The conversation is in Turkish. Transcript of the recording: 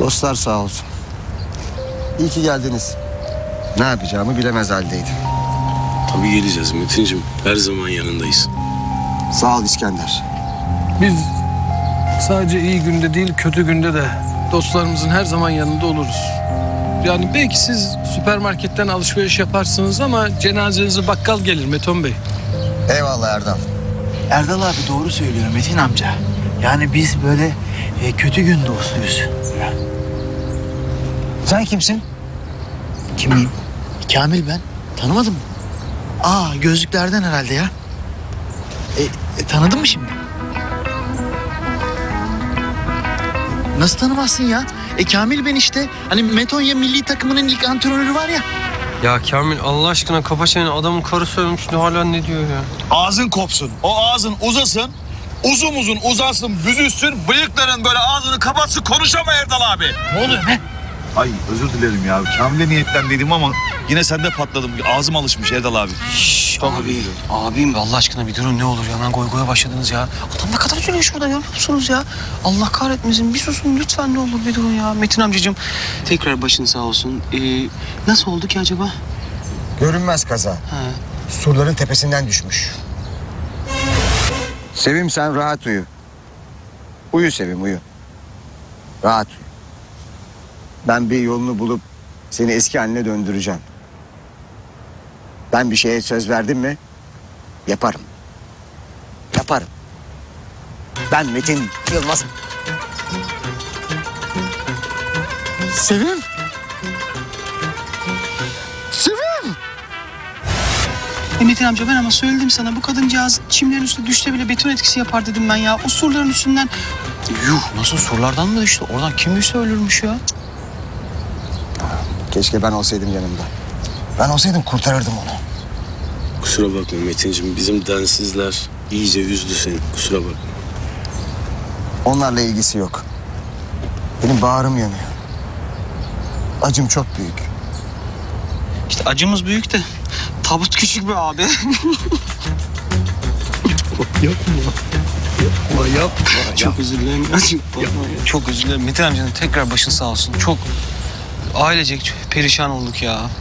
Dostlar sağ olsun. İyi ki geldiniz. Ne yapacağımı bilemez haldeydim. Tabii geleceğiz Metin'cim. Her zaman yanındayız. Sağ ol İskender. Biz sadece iyi günde değil kötü günde de dostlarımızın her zaman yanında oluruz. Yani belki siz süpermarketten alışveriş yaparsınız ama cenazenize bakkal gelir Meton Bey. Eyvallah Erdal. Erdal abi doğru söylüyor Metin amca. Yani biz böyle kötü gün dostuyuz. Sen kimsin? Kimiyim? Kamil ben. Tanımadın mı? Aa gözlüklerden herhalde ya. Tanıdın mı şimdi? Nasıl tanımazsın ya? Kamil ben işte. Hani Metonya milli takımının ilk antrenörü var ya. Ya Kamil Allah aşkına kapa çeneni, adamın karısı ölmüş hala ne diyor ya? Ağzın kopsun. O ağzın uzasın. Uzun uzun uzasın, büzülsün. Bıyıkların böyle ağzını kapatsın. Konuşama Erdal abi. Ne oluyor ne? Ay özür dilerim ya. Kamil'e niyetlendiydim ama yine sende patladım. Ağzım alışmış Erdal abi. Abim Allah aşkına bir durun ne olur ya, hemen goya başladınız ya. Adam ne kadar üzülüyor şurada, görüyor musunuz ya? Allah kahretmesin, bir susun lütfen, ne olur bir durun ya. Metin amcacığım tekrar başın sağ olsun. Nasıl oldu ki acaba? Görünmez kaza. Surların tepesinden düşmüş. Sevim sen rahat uyu. Uyu Sevim uyu. Rahat uyu. Ben bir yolunu bulup seni eski haline döndüreceğim. Ben bir şeye söz verdim mi yaparım. Yaparım. Ben Metin Yılmaz'ım. Sevim. Sevim. Metin amca ben ama söyledim sana, bu kadıncağız çimlerin üstüne düşse bile beton etkisi yapar dedim ben ya. O surların üstünden... Yuh, nasıl surlardan mı düştü? Oradan kim düşse ölürmüş ya. Keşke ben olsaydım yanımda. Ben olsaydım kurtarırdım onu. Kusura bakma Metin'cim. Bizim densizler iyice üzdü seni. Kusura bakma. Onlarla ilgisi yok. Benim bağrım yanıyor. Acım çok büyük. İşte acımız büyük de tabut küçük be abi. Yapma. Çok özür dilerim. Çok özür dilerim. Metin amcanın tekrar başın sağ olsun. Çok ailecek perişan olduk ya.